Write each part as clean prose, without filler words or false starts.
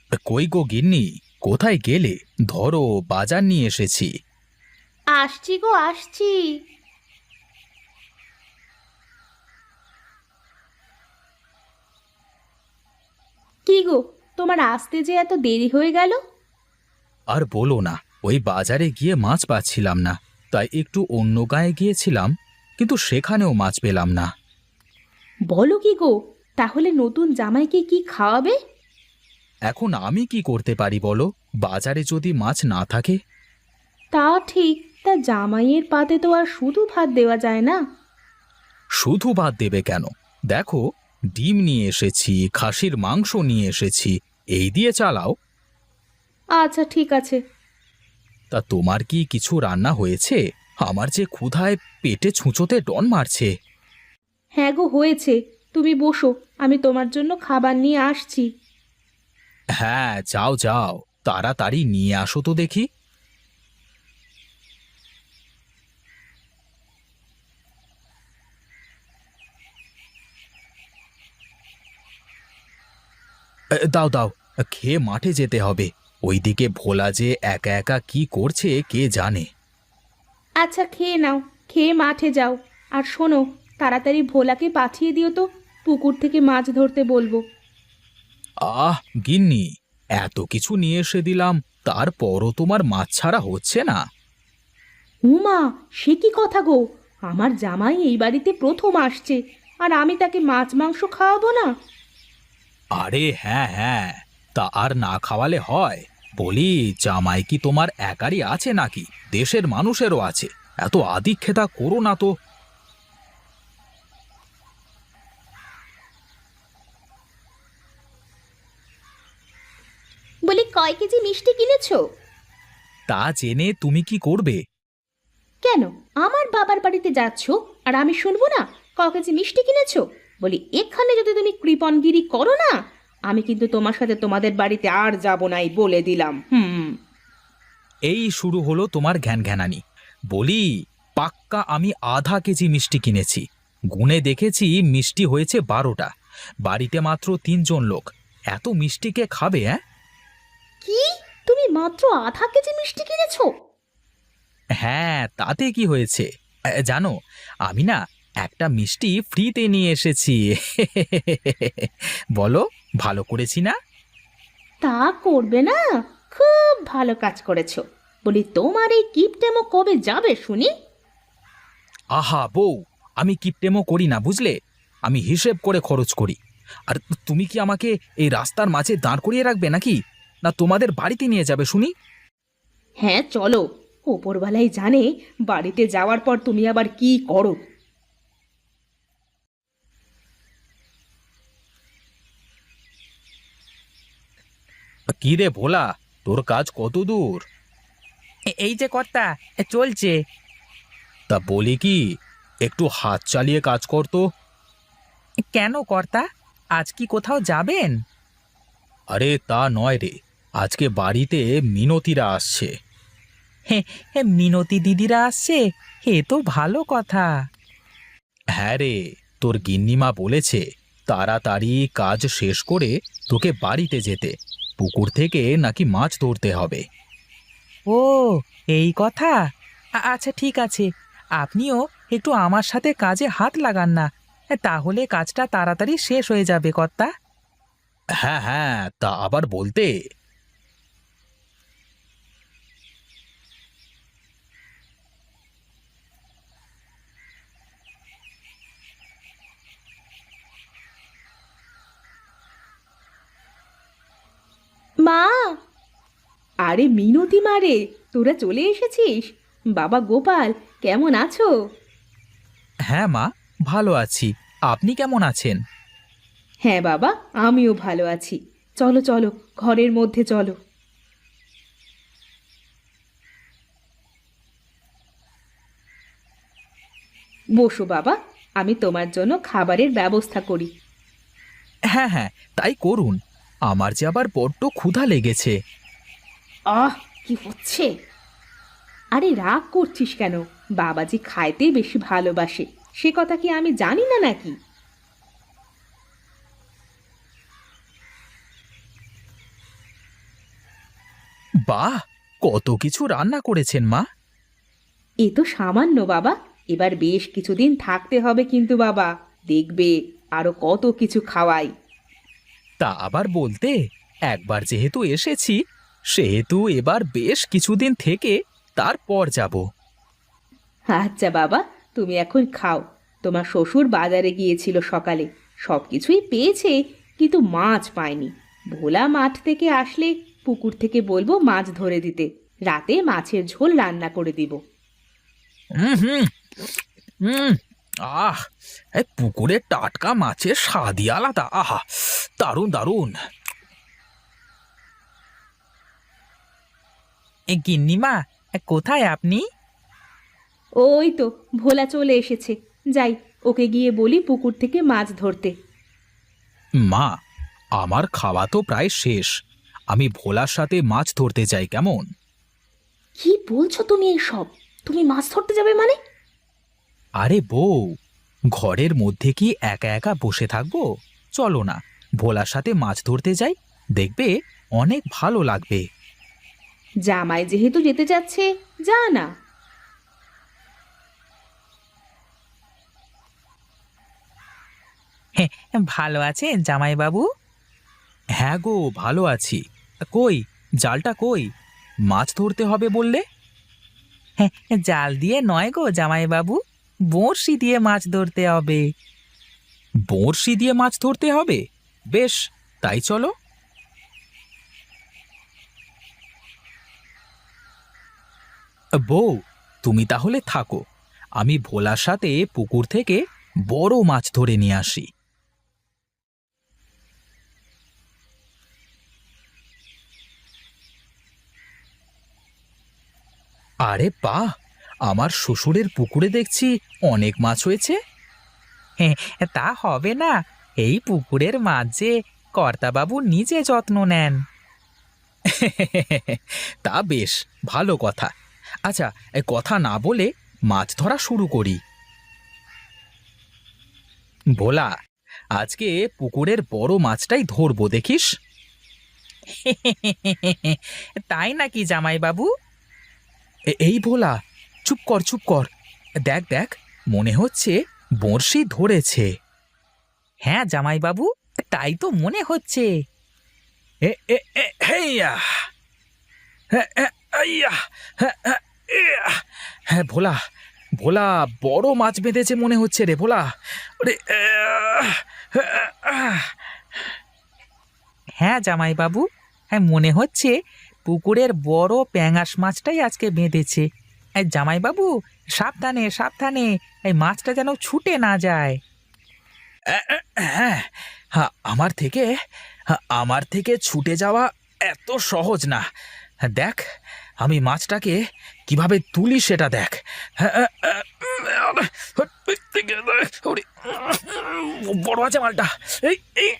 কই গো গিন্নি, কোথায় গেলে? ধরো, বাজার নিয়ে এসেছি। আসছি গো, আসছি। কি গো, তোমার আসতে যে এত দেরি হয়ে গেল? আর বলো না, ওই বাজারে গিয়ে মাছ পাচ্ছিলাম না, তাই একটু অন্য গাঁয়ে গিয়েছিলাম, কিন্তু সেখানেও মাছ পেলাম না। বলো কি গো, তাহলে নতুন জামাইকে কি খাওয়াবে? এখন আমি কি করতে পারি বলো, বাজারে যদি মাছ না থাকে? তা ঠিক, তা জামাইয়ের পাতে তো আর শুধু ভাত দেওয়া যায় না। শুধু ভাত দেবে কেন? দেখো, ডিম নিয়ে এসেছি, খাসির মাংস নিয়ে এসেছি, এই দিয়ে চালাও। আচ্ছা ঠিক আছে। তা তোমার কি কিছু রান্না হয়েছে? আমার যে ক্ষুধায় পেটে ছুঁচোতে ডন মারছে। হ্যাঁ গো, হয়েছে। তুমি বসো, আমি তোমার জন্য খাবার নিয়ে আসছি। হ্যাঁ, যাও যাও, তাড়াতাড়ি নিয়ে আসো তো দেখি। দাও দাও, খেয়ে মাঠে যেতে হবে। ওইদিকে ভোলা যে একা একা কি করছে কে জানে। আচ্ছা খেয়ে নাও, খেয়ে মাঠে যাও। আর শোনো, তাড়াতাড়ি ভোলাকে পাঠিয়ে দিও তো, পুকুর থেকে মাছ ধরতে বলবো। আহ গিন্নি, এত কিছু নিয়ে এসে দিলাম, তারপরও তোমার মাছ ছাড়া হচ্ছে না। উমা, সে কি কথা গো! আমার জামাই এই বাড়িতে প্রথম আসছে, আর আমি তাকে মাছ মাংস খাওয়াবো না? আরে হ্যাঁ হ্যাঁ, তা আর না খাওয়ালে হয়? বলি, জামাই কি তোমার একারই আছে নাকি দেশের মানুষেরও আছে? এত আদিক্ষেতা করো না তো। বলি, কয় কেজি মিষ্টি কিনেছো? তা জেনে তুমি কি করবে? কেন, আমার বাবার বাড়িতে যাচ্ছো আর আমি শুনবো না? ক কেজি মিষ্টি কিনেছো? বলি, এখানে যদি তুমি কৃপণগিরি করো না, আমি কিন্তু তোমার সাথে তোমাদের বাড়িতে আর যাব নাই বলে দিলাম। হুম। এই শুরু হলো তোমার ঘ্যান ঘ্যানানি। বলি, পাক্কা আমি আধা কেজি মিষ্টি কিনেছি। গুনে দেখেছি মিষ্টি হয়েছে 12টা। বাড়িতে মাত্র 3জন লোক, এত মিষ্টি কে খাবে? হ্যাঁ কি? তুমি মাত্র আধা কেজি মিষ্টি কিনেছো? হ্যাঁ, তাতে কি হয়েছে? জানো, আমি না একটা মিষ্টি ফ্রিতে নিয়ে এসেছি। বলো, ভালো করেছি না? তা করবে না? খুব ভালো কাজ করেছো। বলি, তোমার এই কিপটেমো কবে যাবে শুনি? আহা বউ, আমি কিপটেমো করি না বুঝলে, আমি হিসেব করে খরচ করি। আর তুমি কি আমাকে এই রাস্তার মাঝে দাঁড় করিয়ে রাখবে নাকি, না তোমাদের বাড়িতে নিয়ে যাবে শুনি? হ্যাঁ চলো, ওপরওয়ালাই জানে বাড়িতে যাওয়ার পর তুমি আবার কি করো। কি রে ভোলা, তোর কাজ কত দূর? এই যে কর্তা, চলছে। তা বলি কি, একটু হাত চালিয়ে কাজ কর তো। কেন কর্তা, আজ কি কোথাও যাবেন? আরে তা নয় রে, আজকে বাড়িতে মিনতিরা আসছে। হে, হে, মিনতি দিদিরা আসছে? হে তো ভালো কথা। হ্যাঁ রে, তোর গিন্নিমা বলেছে তাড়াতাড়ি কাজ শেষ করে তোকে বাড়িতে যেতে, পুকুর থেকে নাকি মাছ ধরতে হবে। ও, এই কথা। আচ্ছা ঠিক আছে, আপনিও একটু আমার সাথে কাজে হাত লাগান না, তাহলে কাজটা তাড়াতাড়ি শেষ হয়ে যাবে কর্তা। হ্যাঁ হ্যাঁ, তা আবার বলতে। মা! আরে মিনতি মারে, তোরা চলে এসেছিস? বাবা গোপাল, কেমন আছো? হ্যাঁ মা, ভালো আছি। আপনি কেমন আছেন? হ্যাঁ বাবা, আমিও ভালো আছি। চলো চলো, ঘরের মধ্যে চলো। বসো বাবা, আমি তোমার জন্য খাবারের ব্যবস্থা করি। হ্যাঁ হ্যাঁ, তাই করুন। আমার যে আবার বড্ড ক্ষুধা লেগেছে। আহ, কি হচ্ছে! আরে রাগ করছিস কেন? বাবাজি খাইতে বেশি ভালোবাসে, সে কথা কি আমি জানি না নাকি? বাহ, কত কিছু রান্না করেছেন মা। এ তো সামান্য বাবা, এবার বেশ কিছুদিন থাকতে হবে কিন্তু বাবা, দেখবে আরো কত কিছু খাওয়াই। তা আবার বলতে, একবার যেহেতু এসেছি সেহেতু এবার বেশ কিছুদিন থেকে তারপর যাব। আচ্ছা বাবা, তুমি এখন খাও। তোমার শ্বশুর বাজারে গিয়েছিল সকালে, সব কিছুই পেয়েছে, কিন্তু মাছ পায়নি। ভোলা মাঠ থেকে আসলে পুকুর থেকে বলবো মাছ ধরে দিতে, রাতে মাছের ঝোল রান্না করে দিব। হুম হুম হুম। আহ, এই পুকুরের টাটকা মাছের স্বাদই আলাদা। আহা, দারুণ দারুণ। এ গিন্নিমা, কোথায় আপনি? ওই তো ভোলা চলে এসেছে, যাই ওকে গিয়ে বলি পুকুর থেকে মাছ ধরতে। মা, আমার খাওয়া তো প্রায় শেষ। আমি ভোলার সাথে মাছ ধরতে যাই কেমন? কি বলছো তুমি এইসব? তুমি মাছ ধরতে যাবে মানে? আরে বউ, ঘরের মধ্যে কি একা একা বসে থাকবো? চলো না, ভোলার সাথে মাছ ধরতে যাই, দেখবে অনেক ভালো লাগবে। জামাই যেহেতু যেতে যাচ্ছে, যা না। হ্যাঁ, ভালো আছেন জামাইবাবু? হ্যাঁ গো, ভালো আছি। কই, জালটা কই? মাছ ধরতে হবে বললে? হ্যাঁ, জাল দিয়ে নয় গো জামাইবাবু, বড়শি দিয়ে মাছ ধরতে হবে। বড়শি দিয়ে মাছ ধরতে হবে? বেশ, তাই চলো। বউ, তুমি তাহলে থাকো, আমি ভোলার সাথে পুকুর থেকে বড় মাছ ধরে নিয়ে আসি। আরে বাহ, আমার শ্বশুরের পুকুরে দেখছি অনেক মাছ হয়েছে। হ্যাঁ, তা হবে না, এই পুকুরের মাছ যে কর্তাবাবু নিজে যত্ন নেন। তা বেশ, ভালো কথা। আচ্ছা, এ কথা না বলে মাছ ধরা শুরু করি। ভোলা, আজকে পুকুরের বড় মাছটাই ধরবো, দেখিস। তাই নাকি জামাইবাবু? এই ভোলা, চুপ কর চুপ কর। দেখ দেখ, মনে হচ্ছে বড়শি ধরেছে। হ্যাঁ জামাইবাবু, তাই তো মনে হচ্ছে। এ এ এ হেইয়া, আইয়া, ইয়া। হ্যাঁ ভোলা, ভোলা, বড় মাছ বেঁধেছে মনে হচ্ছে রে ভোলা। ওরে, হ্যাঁ জামাইবাবু, হ্যাঁ মনে হচ্ছে পুকুরের বড় প্যাঙাশ মাছটাই আজকে বেঁধেছে। এই জামাইবাবু, সাবধানে সাবধানে, এই মাছটা যেন ছুটে না যায়। হ্যাঁ, হ্যাঁ, আমার থেকে ছুটে যাওয়া এত সহজ না। দেখ, আমি মাছটাকে কিভাবে তুলি সেটা দেখ। ওরে, বড় আছে মালটা। এই এই,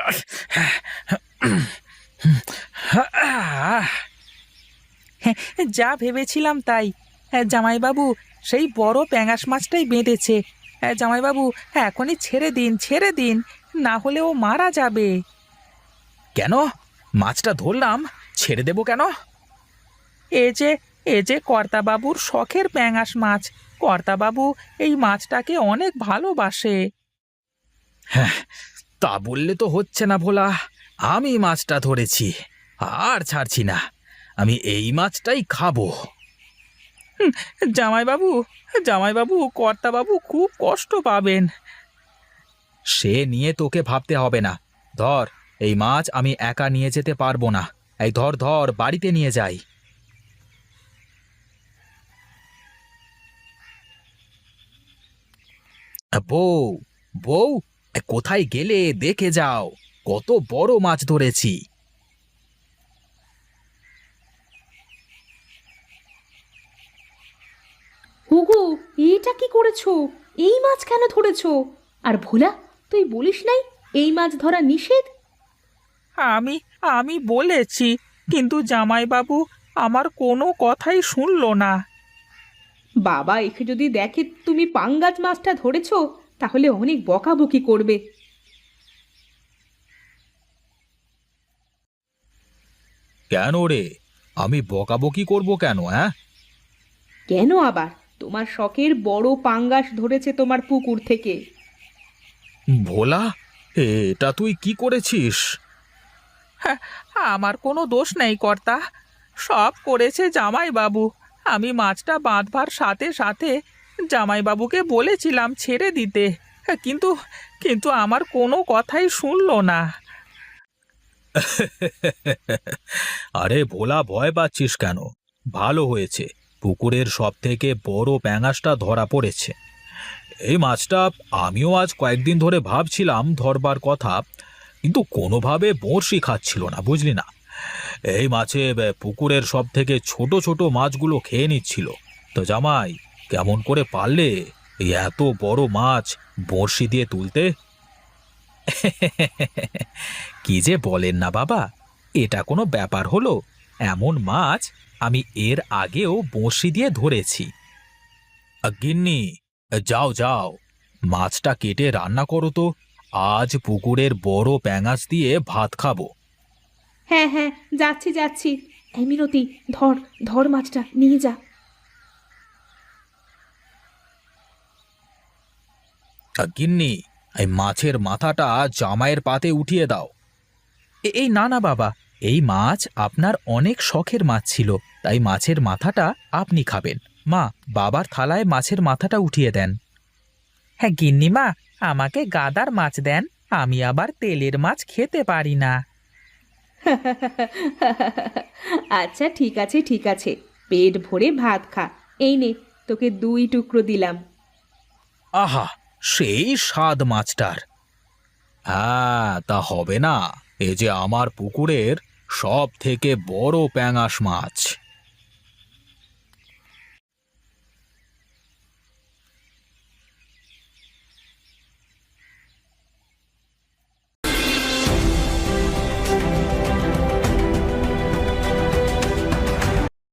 হ্যাঁ, যা ভেবেছিলাম তাই। হ্যাঁ জামাইবাবু, সেই বড় প্যাঙাশ মাছটাই বেঁধেছে। হ্যাঁ জামাইবাবু, হ্যাঁ এখনই ছেড়ে দিন ছেড়ে দিন, না হলে ও মারা যাবে। কেন? মাছটা ধরলাম, ছেড়ে দেবো কেন? এ যে এ যে কর্তাবাবুর শখের প্যাঙাশ মাছ, কর্তাবাবু এই মাছটাকে অনেক ভালোবাসে। হ্যাঁ, তা বললে তো হচ্ছে না ভোলা। আমি মাছটা ধরেছি, আর ছাড়ছি না। আমি এই মাছটাই খাবো। জামাইবাবু, জামাইবাবু, কর্তাবাবু খুব কষ্ট পাবেন। সে নিয়ে তোকে ভাবতে হবে না। ধর, এই মাছ আমি একা নিয়ে যেতে পারবো না। এই ধর ধর, বাড়িতে নিয়ে যাই। বউ, বউ, কোথায় গেলে? দেখে যাও, কত বড় মাছ ধরেছি। হুগু, এটা কি করেছো? এই মাছ কেন ধরেছো? আর ভোলা, তুই বলিস নাই এই মাছ ধরা নিষেধ? আমি আমি বলেছি, কিন্তু জামাইবাবু আমার কোনো কথাই শুনলো না। বাবা একে যদি দেখে তুমি পাঙ্গাস মাছটা ধরেছো, তাহলে অনেক বকাবকি করবে। কেন রে, আমি বকাবকি করব কেন? হ্যাঁ, কেন আবার? তোমার শখের বড় পাঙ্গাস ধরেছে তোমার পুকুর থেকে। ভোলা, এটা তুই কি করেছিস? হ্যাঁ, আমার কোনো দোষ নেই কর্তা, সব করেছে জামাইবাবু। আমি মাছটা বাঁধবার সাথে সাথে জামাইবাবুকে বলেছিলাম ছেড়ে দিতে, কিন্তু কিন্তু আমার কোনো কথাই শুনলো না। আরে ভোলা, ভয় পাচ্ছিস কেন? ভালো হয়েছে, পুকুরের সব থেকে বড় প্যাঙাশটা ধরা পড়েছে। এই মাছটা আমিও আজ কয়েকদিন ধরে ভাবছিলাম ধরবার কথা, কিন্তু কোনোভাবে বড়শি খাচ্ছিল না, বুঝলি না। এই মাছে পুকুরের সব থেকে ছোট ছোট মাছগুলো খেয়ে নিচ্ছিল। তো জামাই, কেমন করে পারলে এই এত বড় মাছ বড়শি দিয়ে তুলতে? কি যে বলেন না বাবা, এটা কোনো ব্যাপার হলো? এমন মাছ আমি এর আগেও বড়শি দিয়ে ধরেছি। গিন্নি, যাও যাও, মাছটা কেটে রান্না করো তো। আজ পুকুরের বড় প্যাঙাশ দিয়ে ভাত খাবো। হ্যাঁ হ্যাঁ, যাচ্ছি যাচ্ছি। এই মিনতি, ধর ধর মাছটা নিয়ে যা। গিন্নি, এই মাছের মাথাটা জামাইয়ের পাতে উঠিয়ে দাও। এই না না বাবা, এই মাছ আপনার অনেক শখের মাছ ছিল, তাই মাছের মাথাটা আপনি খাবেন। মা, বাবার থালায় মাছের মাথাটা উঠিয়ে দেন। হ্যাঁ গিন্নিমা, আমাকে গাদার মাছ দেন, আমি আবার তেলের মাছ খেতে পারি না। আচ্ছা ঠিক আছে ঠিক আছে, পেট ভরে ভাত খা। এই নে, তোকে 2 টুকরো দিলাম। আহা, সেই স্বাদ মাছটার! হ্যাঁ, তা হবে না। এ যে আমার পুকুরের সব থেকে বড় প্যাঙাশ মাছ।